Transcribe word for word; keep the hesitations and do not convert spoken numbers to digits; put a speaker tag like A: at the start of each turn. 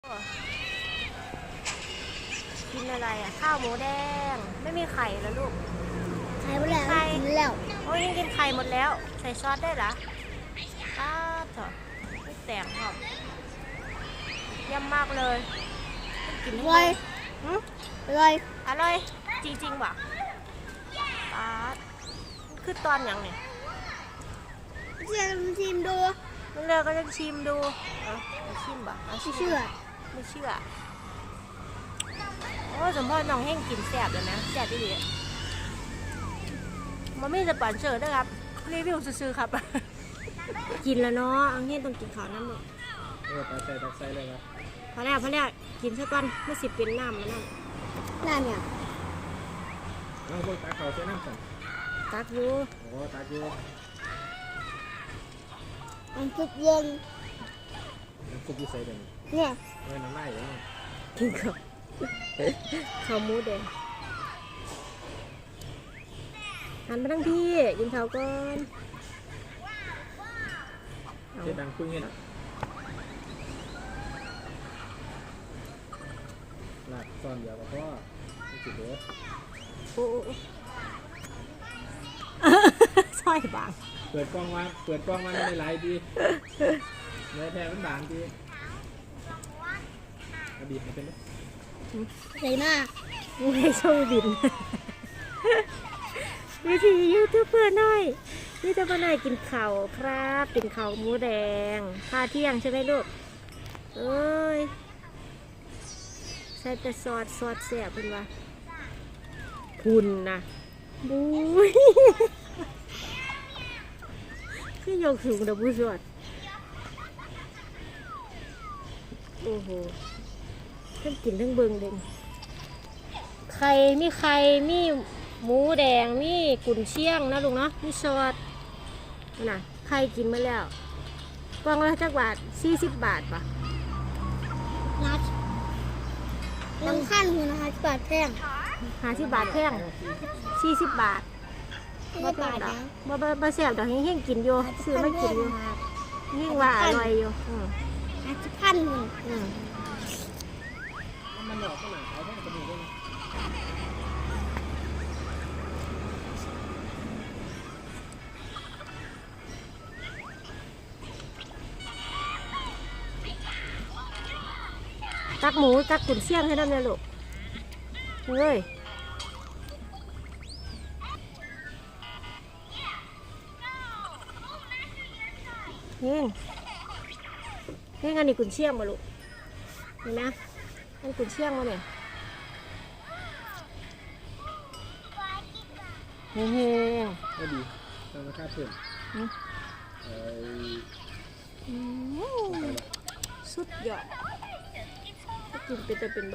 A: กินอะไรอ่ะข้าวหมูแดงไม่มีไข่แล้วลูก
B: ไข่หมดแล้วกินแล้ว
A: โอ้ยยังกินไข่หมดแล้วใส่ซอสได้เหรออ้าเถอะไม่แต่งหรอกเยี่ยมมากเลยกินอร่อย
B: อร่อย
A: อร่อยจริงๆว่ะป้าคือตอนอย่างเนี่ย
B: เชื่อชิมดู
A: มันเลยก็จะชิมดูเออชิมบ่ไม่
B: เชื่อ
A: ไม่เชื่อโอ้สมพรน้องแห้งกินแซ่บเลยนะแซ่บดีเลยมันไม่จะปั่นเสิร์ฟนะครับรีวิวซื้อๆครับกินแล้วเนาะอังเฮงต้องกินข้าวน้ำหมด
C: เออตักใส่ตักใส่เลยครับ
A: พอแล้วพอแล้วกินซะก่อนไม่สิเป็นน้ำมันน้
B: ำน้ำเนี่ย
C: เอาพวกตักเขาใส่น้ำสั่ง
A: ตักอยู่
C: โอ้ตักอยู่
B: มันซุปเย็น
C: น้ำซุปที่ใส่เด่น
B: เนี่ย
C: เออน้ำไหลเลย
A: กินข้าวข้าวหมูแดงหันมาทั้งพี่กินข้าวก่อน
C: เจ็ดดังคุยเงี้ยนะหลักซ่อนเดียวกับพ่อไม่จิตเด้อ
A: โอ้ซอยบาง
C: เปิดกล้องมาเปิดกล้องมาไม่ไลฟ์ดีเนื้อแท้มันบางดีกระบี่มันเป็นไหม
B: ใส่มาก
A: ไม่โชว์บินวิธียูทูบเบอร์หน่อยยูทูบเบอร์หน่อยกินข้าวครับกินข้าวหมูแดงพาเที่ยงใช่ไหมลูกเอ้ยใส่แต่ซอสซอสแซ่บเป็นวะคุณนะบุ้ยคือยกสูงดับบุ้ยสดโอ้โหทั้งกินทั้งเบิงเลยไข่มีไข่มีหมูแดงมีกุนเชียงนะลุงเนาะมีซอสน่ะไข่กินมาแล้วกล่องละจักบาทสี่สิบบาทปะ
B: นัดน้ำขั้นคือนะคะบาทแพง
A: หาสิบบาทแพงสี่สิบบาท
B: บ่บาทนะ
A: บ่บ่บ่แซ่บดอกเฮงๆกินอยู่ซื้อมากินอยู่เฮงว่าอร่อยอยู่อือ
B: ห้าสิบพันมัน
A: อือ
C: มันหลอกขนาดเอาแค่กระบี่ด้วย
A: ตักหมูตักกุนเชียงให้ได้เลยลูกเฮ้ยเฮงเฮงอันนี้กุนเชียงมาลูกเห็นไหมอันกุนเชียงมาเนี่ยเฮงเฮง
C: ก็ดีธรรมชาติเพิ่ม
A: สุดยอดกินเป็นแต่เป็น